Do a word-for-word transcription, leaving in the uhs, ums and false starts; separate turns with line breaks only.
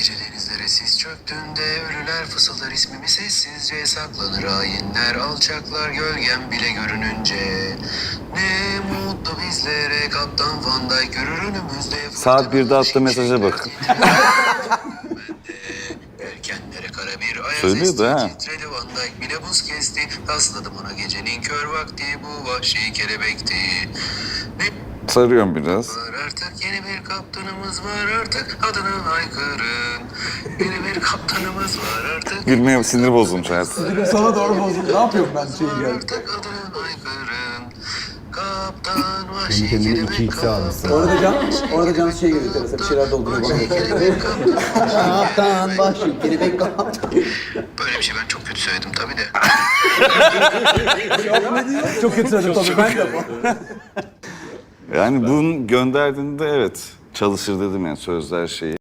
Gece denizlere sis çöktüğünde ölüler fısıldar ismimi sessizce, saklanır hainler, alçaklar gölgem bile görününce. Ne mutlu bizlere Kaptan Van Dijk görür önümüzde.
Saat birde attığı mesaja bak.
Yelkenlere kara bir ayaz
Söylüyordu ha.
esti, titredi Van Dijk bile buz kesti. Tasladım ona gecenin kör vakti, bu vahşi kelebekti. Ne
Sarıyorum biraz.
var artık, yeni bir kaptanımız var artık, adını haykırın. Yeni bir kaptanımız var artık.
Gülmeye sinir bozulmuş hayat.
Sana doğru bozuldu. Ne yapıyorum ben şeyi
Var
geldi.
artık, adını haykırın. Kaptan vahşi
Kendi kendine
kelebek
iki x almışsın.
Orada can, orada can şey geliyor. Mesela bir şeyler dolduruyor bana.
kelebek kaptan.
Kaptan başı, kelebek kaptan.
Böyle bir şey ben çok kötü söyledim tabii de.
Çok kötü söyledim tabii ben de bu.
Yani bunu gönderdiğinde evet çalışır dedim yani sözler şeyi.